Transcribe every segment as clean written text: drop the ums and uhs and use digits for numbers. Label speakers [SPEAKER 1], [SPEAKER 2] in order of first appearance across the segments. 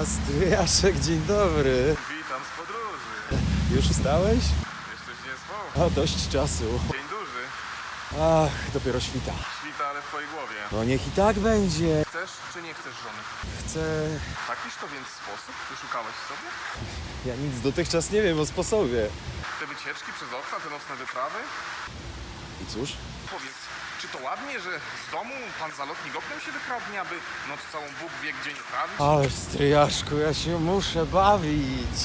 [SPEAKER 1] Stryjaszek, dzień dobry.
[SPEAKER 2] Witam z podróży.
[SPEAKER 1] Już wstałeś?
[SPEAKER 2] Jeszcze się nie spał.
[SPEAKER 1] O, dość czasu.
[SPEAKER 2] Dzień duży.
[SPEAKER 1] Ach, dopiero świta.
[SPEAKER 2] Świta, ale w twojej głowie.
[SPEAKER 1] No niech i tak będzie.
[SPEAKER 2] Chcesz czy nie chcesz żony?
[SPEAKER 1] Chcę...
[SPEAKER 2] Takiż to więc sposób wyszukałeś sobie?
[SPEAKER 1] Ja nic dotychczas nie wiem o sposobie.
[SPEAKER 2] Te wycieczki przez okna, te nocne wyprawy?
[SPEAKER 1] I cóż?
[SPEAKER 2] Powiedz, czy to ładnie, że z domu pan zalotnik oknem się wykradnie, aby noc całą Bóg wie gdzie nie trawić?
[SPEAKER 1] Ale stryjaszku, ja się muszę bawić.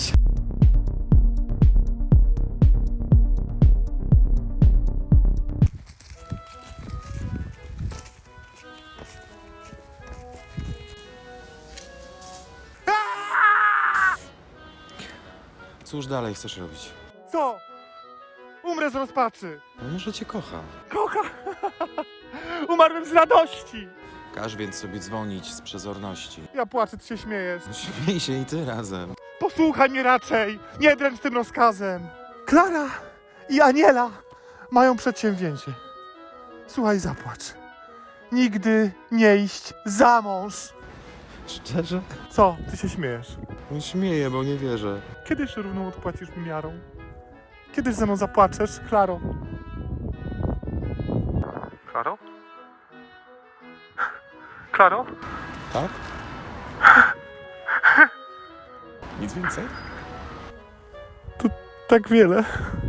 [SPEAKER 1] Cóż dalej chcesz robić?
[SPEAKER 3] Co? Umrę z rozpaczy.
[SPEAKER 1] No może cię kocha.
[SPEAKER 3] Kocha! Umarłem z radości.
[SPEAKER 1] Każ więc sobie dzwonić z przezorności.
[SPEAKER 3] Ja płaczę, ty się śmiejesz.
[SPEAKER 1] Śmiej się i ty razem.
[SPEAKER 3] Posłuchaj mnie raczej. Nie dręcz tym rozkazem. Klara i Aniela mają przedsięwzięcie. Słuchaj, zapłacz. Nigdy nie iść za mąż.
[SPEAKER 1] Szczerze?
[SPEAKER 3] Co? Ty się śmiejesz.
[SPEAKER 1] No śmieję, bo nie wierzę.
[SPEAKER 3] Kiedyś równą odpłacisz mi miarą? Kiedyś ze mną zapłaczesz, Klaro? Klaro? Klaro?
[SPEAKER 1] Tak? Nic więcej?
[SPEAKER 3] Tak wiele.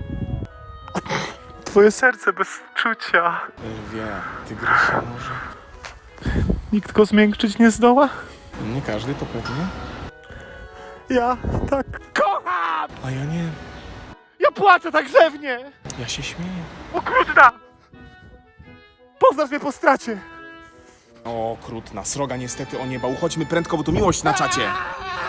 [SPEAKER 3] Twoje serce bez czucia.
[SPEAKER 1] Wie, tygrysia może.
[SPEAKER 3] Nikt go zmiękczyć nie zdoła?
[SPEAKER 1] Nie każdy to pewnie.
[SPEAKER 3] Ja tak kocham!
[SPEAKER 1] A ja nie.
[SPEAKER 3] Ja płaczę tak grzewnie!
[SPEAKER 1] Ja się śmieję.
[SPEAKER 3] Okrutna! Poznasz mnie po stracie!
[SPEAKER 4] O, krutna sroga niestety o nieba. Uchodźmy prędko, bo tu miłość na czacie.